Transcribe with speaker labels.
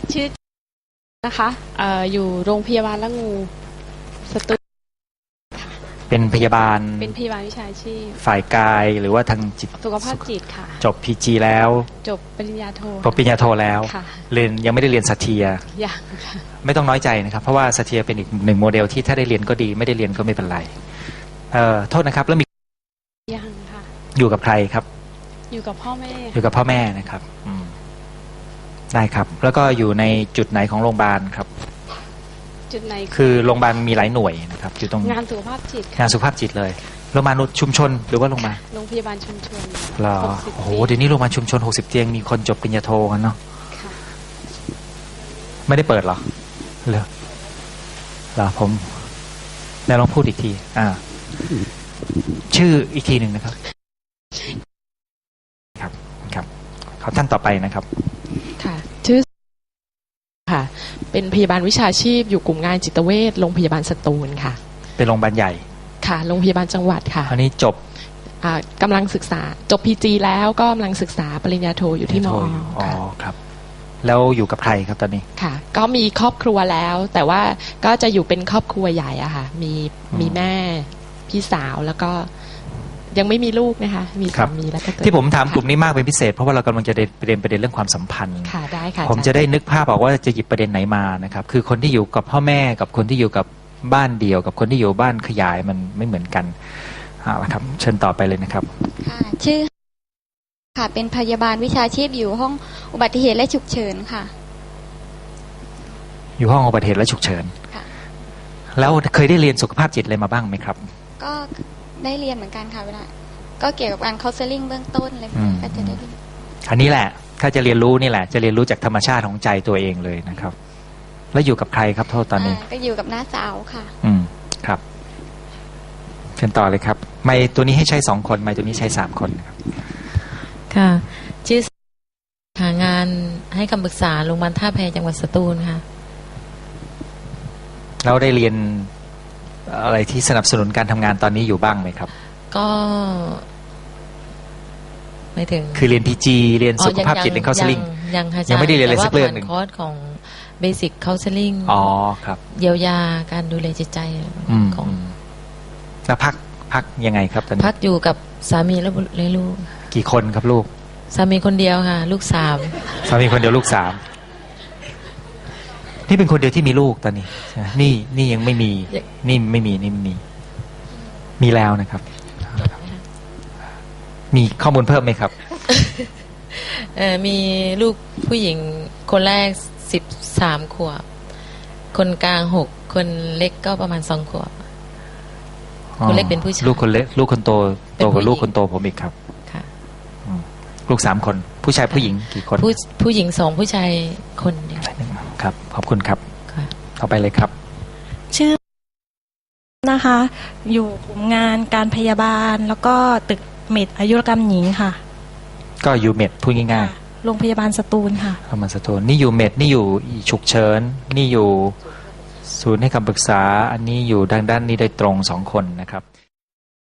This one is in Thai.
Speaker 1: ชื่อนะคะอยู่โรงพยาบาลละงูสตูล
Speaker 2: เป็นพยาบาล
Speaker 1: วิชาชีพ
Speaker 2: ฝ่ายกายหรือว่าทางจิต
Speaker 1: สุขภาพจิตค่ะ
Speaker 2: จบ PG แล้ว
Speaker 1: จบปริญญาโท
Speaker 2: จบปริญญาโทแล้วเรียนยังไม่ได้เรียนสัตเทีย
Speaker 1: ยังค่ะ
Speaker 2: ไม่ต้องน้อยใจนะครับเพราะว่าสัตเทียเป็นอีกหนึ่งโมเดลที่ถ้าได้เรียนก็ดีไม่ได้เรียนก็ไม่เป็นไรโทษนะครับแล้วมี
Speaker 1: ยังค่ะ
Speaker 2: อยู่กับใครครับ
Speaker 1: อยู่กับพ่อแม่
Speaker 2: อยู่กับพ่อแม่นะครับได้ครับแล้วก็อยู่ในจุดไหนของโรงพยาบาลครับ
Speaker 1: จุดไหน
Speaker 2: คือโรงพยาบาลมีหลายหน่วยนะครับอยู่ตรง
Speaker 1: งานสุขภาพจิต
Speaker 2: งานสุขภาพจิตเลยโรงพยาบาลชุมชนหรือว่าโรงพยาบาล
Speaker 1: ชุมชน
Speaker 2: เหรอโอ้โหเดี๋ยวนี้โรงพยาบาลชุมชน60 เตียงมีคนจบปริญญาโทกันเนาะไม่ได้เปิดหรอเหรอผมแล้วลองพูดอีกทีชื่ออีกทีหนึ่งนะครับครับขอท่านต่อไปนะครับ
Speaker 3: ค่ะชื่อค่ะเป็นพยาบาลวิชาชีพอยู่กลุ่มงานจิตเวชโรงพยาบาลสตูลค่ะ
Speaker 2: เป็นโรงพยาบาลใหญ่
Speaker 3: ค่ะโรงพยาบาลจังหวัดค่ะ
Speaker 2: อันนี้จบ
Speaker 3: กำลังศึกษาจบ PG แล้วก็กำลังศึกษาปริญญาโทอยู่ที่มอ
Speaker 2: ครับแล้วอยู่กับใครครับตอนนี้
Speaker 3: ค่ะก็มีครอบครัวแล้วแต่ว่าก็จะอยู่เป็นครอบครัวใหญ่อะค่ะมีแม่พี่สาวแล้วก็ยังไม่มีลูกนะคะมีสามีแล้วก็
Speaker 2: ที่ผมถามกลุ่มนี้มากเป็นพิเศษเพราะว่าเรากำลังจะประเด็นเรื่องความสัมพันธ์
Speaker 3: ค่ะได้ค่ะ
Speaker 2: ผมจะได้นึกภาพออกว่าจะหยิบประเด็นไหนมานะครับคือคนที่อยู่กับพ่อแม่กับคนที่อยู่กับบ้านเดี่ยวกับคนที่อยู่บ้านขยายมันไม่เหมือนกันครับเชิญต่อไปเลยนะครับ
Speaker 4: ค่ะชื่อค่ะเป็นพยาบาลวิชาชีพอยู่ห้องอุบัติเหตุและฉุกเฉินค่ะ
Speaker 2: อยู่ห้องอุบัติเหตุและฉุกเฉินค่ะแล้วเคยได้เรียนสุขภาพจิตอะไรมาบ้างไหมครับ
Speaker 4: ก็ได้เรียนเหมือนกันค่ะเวลาก็เกี่ยวกับการเคาน์เซลลิ่งเบื้องต้นอะไรก็จะได้เรียน
Speaker 2: อันนี้แหละถ้าจะเรียนรู้นี่แหละจะเรียนรู้จากธรรมชาติของใจตัวเองเลยนะครับแล้วอยู่กับใครครับโทษตอนนี้
Speaker 4: ก็อยู่กับน้าสาวค่ะ
Speaker 2: ครับเชิญต่อเลยครับไมค์ตัวนี้ให้ใช้2 คนไมค์ตัวนี้ใช้3 คนครับ
Speaker 5: ค่ะชื่อหางานให้คำปรึกษาโรงพยาบาลท่าแพจังหวัดสตูลค่ะ
Speaker 2: เราได้เรียนอะไรที่สนับสนุนการทำงานตอนนี้อยู่บ้างไหมครับ
Speaker 5: ก็ไม่ถึง
Speaker 2: คือเรียน PG เรียนสุขภาพจิตเรียนเคาน์เซลลิ่งยังไม่ได้เรียนอะไรสักเรื่องหนึ่ง
Speaker 5: คอร์สของเบสิกเคาน์เซลลิ่ง
Speaker 2: ครับ
Speaker 5: เยียวยาการดูแลจิตใจของ
Speaker 2: แล้วพักยังไงครับตอนนี้
Speaker 5: พักอยู่กับสามีและลูก
Speaker 2: กี่คนครับลูก
Speaker 5: สามีคนเดียวค่ะลูก3
Speaker 2: สามีคนเดียวลูก3นี่เป็นคนเดียวที่มีลูกตอนนี้นี่ยังไม่มีนี่ไม่มีแล้วนะครับมีข้อมูลเพิ่มไหมครับ
Speaker 5: มีลูกผู้หญิงคนแรก13 ขวบคนกลาง6คนเล็กก็ประมาณ2 ขวบคนเล็กเป็นผู้ชาย
Speaker 2: ลูกคนเล็กลูกคนโตกว่าลูกคนโตผมอีกครับ
Speaker 5: ค่ะ
Speaker 2: ลูก3 คนผู้ชายผู้หญิงกี่คน
Speaker 5: ผู้หญิง2ผู้ชายคนเดียว
Speaker 2: ครับขอบคุณครับต่อไปเลยครับ
Speaker 6: ชื่อนะคะอยู่กลุ่มงานการพยาบาลแล้วก็ตึกเมดอายุรกรรมหญิงค่ะ
Speaker 2: ก็อยู่เมดพูดง่าย
Speaker 6: ๆโรงพยาบาลสตูลค่ะ
Speaker 2: โรงพยาบาลสตูลนี่อยู่เมดนี่อยู่ฉุกเฉินนี่อยู่ศูนย์ให้คำปรึกษาอันนี้อยู่ด้านนี้โดยตรง2 คนนะครับ